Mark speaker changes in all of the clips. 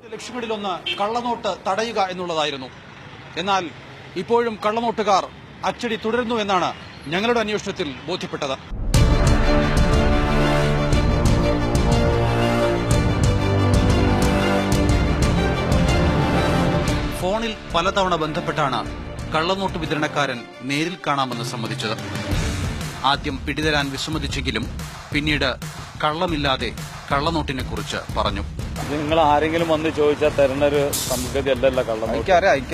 Speaker 1: ലക്ഷ്യങ്ങളിലൊന്ന് കള്ളനോട്ട് തടയുക എന്നുള്ളതായിരുന്നു. എന്നാൽ ഇപ്പോഴും കള്ളനോട്ടുകാർ അച്ചടി തുടരുന്നു എന്നാണ് ഞങ്ങളുടെ അന്വേഷണത്തിൽ ബോധ്യപ്പെട്ടത്. ഫോണിൽ പലതവണ ബന്ധപ്പെട്ടാണ് കള്ളനോട്ട് വിതരണക്കാരൻ നേരിൽ കാണാമെന്ന് സമ്മതിച്ചത്. ആദ്യം പിടിതരാൻ വിസമ്മതിച്ചെങ്കിലും പിന്നീട് കള്ളമില്ലാതെ കള്ളനോട്ടിനെ കുറിച്ച് പറഞ്ഞു.
Speaker 2: നിങ്ങൾ ആരെങ്കിലും വന്ന് ചോദിച്ചാൽ തരുന്ന ഒരു സംഗതി അല്ലല്ല കള്ളനോട്ട്.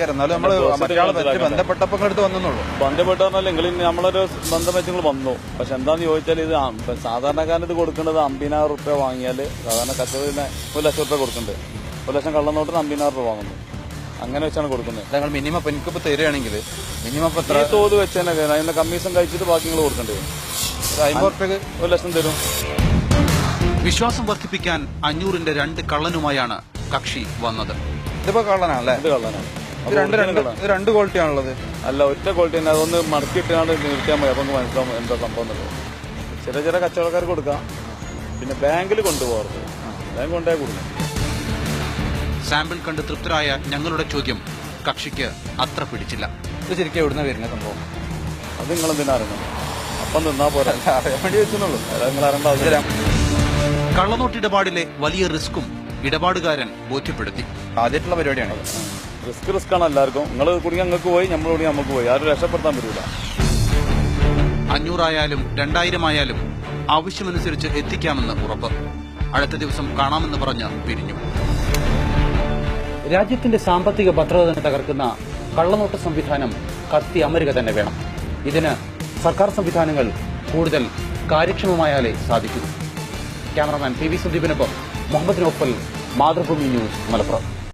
Speaker 2: ബന്ധപ്പെട്ട് പറഞ്ഞാൽ നിങ്ങൾ നമ്മളൊരു ബന്ധം വെച്ച് നിങ്ങൾ വന്നു. പക്ഷെ എന്താന്ന് ചോദിച്ചാൽ ഇത് സാധാരണക്കാരന് ഇത് കൊടുക്കേണ്ടത് 50,000 റുപ്യ വാങ്ങിയാൽ സാധാരണ കച്ചവടത്തിന് 1 ലക്ഷം റുപ്യ കൊടുക്കുന്നുണ്ട്. 1 ലക്ഷം കള്ളനോട്ടിന് 50,000 രൂപ വാങ്ങുന്നു. അങ്ങനെ വെച്ചാണ് കൊടുക്കുന്നത്.
Speaker 1: ഞങ്ങൾ മിനിമം എനിക്കിപ്പോ തരികയാണെങ്കിൽ മിനിമം
Speaker 2: ഈ തോത് വെച്ച് തന്നെ അതിന്റെ കമ്മീഷൻ കഴിച്ചിട്ട് ബാക്കി നിങ്ങൾ കൊടുക്കേണ്ടി വരും. 50 റുപ്യക്ക് 1 ലക്ഷം തരും.
Speaker 1: വിശ്വാസം വർദ്ധിപ്പിക്കാൻ 500-ന്റെ 2 കള്ളനുമായാണ് കക്ഷി വന്നത്.
Speaker 2: ഇതിപ്പോ കള്ളനാണല്ലേ? ഇത് കള്ളനാണ്. രണ്ട് ക്വാളിറ്റി ആണുള്ളത്. അല്ല, ഒറ്റ ക്വാളിറ്റി തന്നെ. അതൊന്ന് മടക്കിയിട്ടാണ് നിർത്തിയാൽ മതി. അപ്പൊ മനസ്സിലാവും എന്താ സംഭവം എന്നുള്ളത്. ചില കച്ചവടക്കാർ കൊടുക്കാം. പിന്നെ ബാങ്കിൽ കൊണ്ടുപോകരുത്. ബാങ്ക് കൊണ്ടേ കൊടുക്കും.
Speaker 1: സാമ്പിൾ കണ്ട് തൃപ്തരായ ഞങ്ങളുടെ ചോദ്യം കക്ഷിക്ക് അത്ര പിടിച്ചില്ല.
Speaker 2: ഇത് ശരിക്കും എവിടുന്ന വരുന്ന സംഭവം? അത് നിങ്ങളെന്തിനാ അറിയണം? അപ്പം നിന്നാ പോരാ, അറിയാൻ വേണ്ടി വെച്ചെന്നുള്ളൂ. നിങ്ങൾ അറിയേണ്ട ആവശ്യമില്ല.
Speaker 1: കള്ളനോട്ട് ഇടപാടിലെ വലിയ റിസ്ക്കും ഇടപാടുകാരൻ ബോധ്യപ്പെടുത്തി.
Speaker 2: ആദ്യമായിട്ടുള്ള പരിപാടിയാണ്. റിസ്ക് ആണ് എല്ലാവർക്കും. നിങ്ങൾ കുടുങ്ങി അങ്ങക്ക് പോയി, നമ്മൾ കുടുങ്ങി നമുക്ക് പോയി. ആരും രക്ഷപ്പെടുത്താൻ പറ്റില്ല.
Speaker 1: 500 ആയാലും 2000 ആയാലും ആവശ്യമനുസരിച്ച് എത്തിക്കാമെന്ന് ഉറപ്പ്. അടുത്ത ദിവസം കാണാമെന്ന് പറഞ്ഞ് പിരിഞ്ഞു. രാജ്യത്തിന്റെ സാമ്പത്തിക ഭദ്രത തന്നെ തകർക്കുന്ന കള്ളനോട്ട് സംവിധാനം കത്തി അമരുക തന്നെ വേണം. ഇതിന് സർക്കാർ സംവിധാനങ്ങൾ കൂടുതൽ കാര്യക്ഷമമായാലേ സാധിക്കൂ. ക്യാമറമാൻ PV സുദീപിനൊപ്പം മുഹമ്മദ് നോഫൽ, മാതൃഭൂമി ന്യൂസ്, മലപ്പുറം.